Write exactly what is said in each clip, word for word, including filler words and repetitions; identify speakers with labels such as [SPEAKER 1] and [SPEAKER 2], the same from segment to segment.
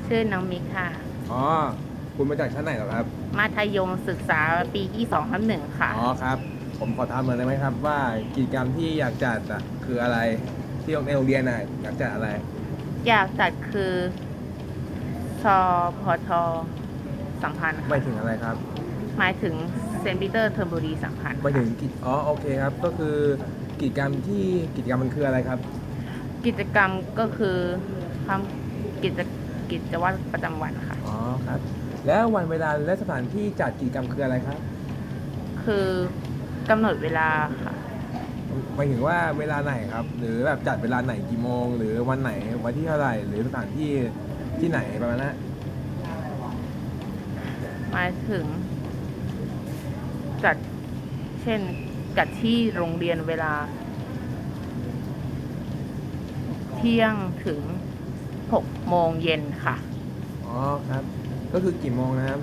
[SPEAKER 1] ชื่อน้องมิกค่ะ
[SPEAKER 2] อ๋อคุณมาจากชั้นไหนเหรอครับ
[SPEAKER 1] มัธยมศึกษาปีที่สองทับหนึ่งค่ะ
[SPEAKER 2] อ๋อครับผมขอถามหน่อยได้ไหมครับว่ากิจกรรมที่อยากจัดอ่ะคืออะไรที่ในโรงเรียนน่ะอยากจัดอะไร
[SPEAKER 1] อยากจัดคือชพทสัมพันธ์
[SPEAKER 2] หมายถึงอะไรครับ
[SPEAKER 1] หมายถึงเซนต์ปีเตอร์เทอร์โบรีสัมพันธ์
[SPEAKER 2] หมายถึงกิจอ๋อโอเคครับก็คือกิจกรรมที่กิจกรรมมันคืออะไรครับ
[SPEAKER 1] กิจกรรมก็คือทำกิจกิจวัตรประจำวันค่ะ
[SPEAKER 2] อ๋อครับแล้ววันเวลาและสถานที่จัดกิจกรรมคืออะไรครับ
[SPEAKER 1] คือกำหนดเวลาค่ะ
[SPEAKER 2] หมายถึงว่าเวลาไหนครับหรือแบบจัดเวลาไหนกี่โมงหรือวันไหนวันที่เท่าไหร่หรือสถานที่ที่ไหนประมาณนั้น
[SPEAKER 1] หมายถึงจัดเช่นจัดที่โรงเรียนเวลาเที่ยงถึงหกโมงเย็นค่ะ
[SPEAKER 2] อ๋อครับก็คือกี่โมงนะครับ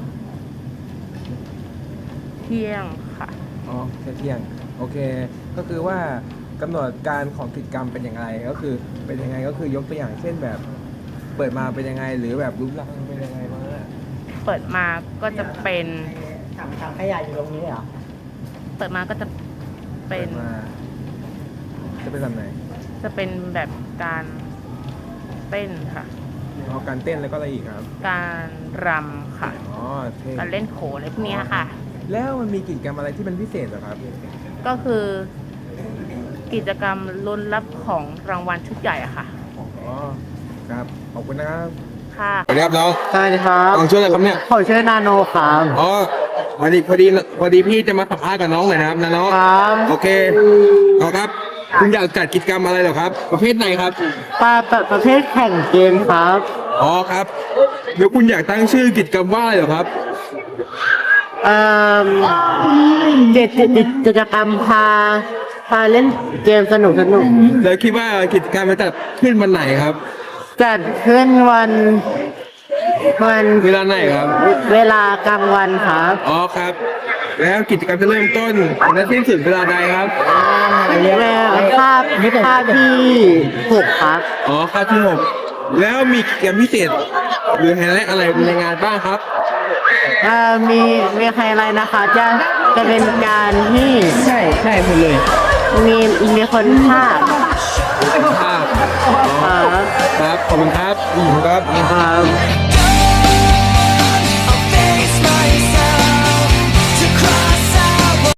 [SPEAKER 1] เที่ยงค่ะ
[SPEAKER 2] อ๋อแค่เที่ยงโอเคก็คือว่ากำหนดการของกิจกรรมเป็นยังไงก็คือเป็นยังไงก็คือยกตัวอย่างเช่นแบบเปิดมาเป็นยังไงหรือแบบรูปร่างเป็นยังไงบ้าง
[SPEAKER 1] เปิดมาก็จะเป็น
[SPEAKER 3] ถังถังขยะอยู่ตรงนี้เหรอ
[SPEAKER 1] เปิดมาก็จะเป็น
[SPEAKER 2] จะเป็นแบบไหน
[SPEAKER 1] จะเป็นแบบการเต้นค่ะ
[SPEAKER 2] อ๋อการเต้นแล้วก็อะไรอีกครับ
[SPEAKER 1] การรำค่ะ
[SPEAKER 2] อ๋อ
[SPEAKER 1] การเล่นโขนอะไรพวกนี้ค่ะ
[SPEAKER 2] แล้วมันมีกิจกรรมอะไรที่เป็นพิเศษเหรอครับ
[SPEAKER 1] ก็คือกิจกรรมลุ้นรับของรางวัลชุดใหญ่อะค่ะ
[SPEAKER 2] อ๋อครับขอบคุณนะครับ
[SPEAKER 1] ค่ะ
[SPEAKER 2] สวัสดีครับน้อง
[SPEAKER 3] สวัสดีครับ
[SPEAKER 2] น้องชื่ออะไรครับเนี่ย
[SPEAKER 3] ผมชื่อนาโนครับ
[SPEAKER 2] อ๋อพอดีพอดีพอดีพี่จะมาสัมภาษณ์กับน้องหน่อยนะครับนาโน
[SPEAKER 3] ครับ
[SPEAKER 2] โอเคเอาครับคุณอยากจัดกิจกรรมอะไรเหรอครับประเภทไหนครับ
[SPEAKER 3] ปาประเภทแข่งเกมครับ
[SPEAKER 2] อ๋อครับเดี๋ยวคุณอยากตั้งชื่อกิจกรรมว่าอะไรเหรอครับ
[SPEAKER 3] เอ่อเด็ดกิจกรรมพาพาเล่นเกมสนุกสนุก
[SPEAKER 2] แล้วคิดว่ากิจกรรมจะจัดขึ้นวันไหนครับ
[SPEAKER 3] จัดขึ้นวันวัน
[SPEAKER 2] เวลาไหนครับ
[SPEAKER 3] เวลากลางวันครับ
[SPEAKER 2] อ๋อครับแล้วกิจกรรมจะเริ่มต้นและสิ้นสุดเวลาใดครับ
[SPEAKER 3] เวลาคาบคาบที่หกครับ
[SPEAKER 2] อ๋อคาบที่หกแล้วมีกิจกรรมพิเศษหรือไฮไลท์อะไรในงานบ้างครับ
[SPEAKER 3] เอ่อมีมีไฮไลท์นะคะจะจะเป็นการที่
[SPEAKER 2] ใช่ใช่หมดเลย
[SPEAKER 3] มีมีคนภาค
[SPEAKER 2] ภาคครับครับขอบคุณครับครับ
[SPEAKER 3] ครับ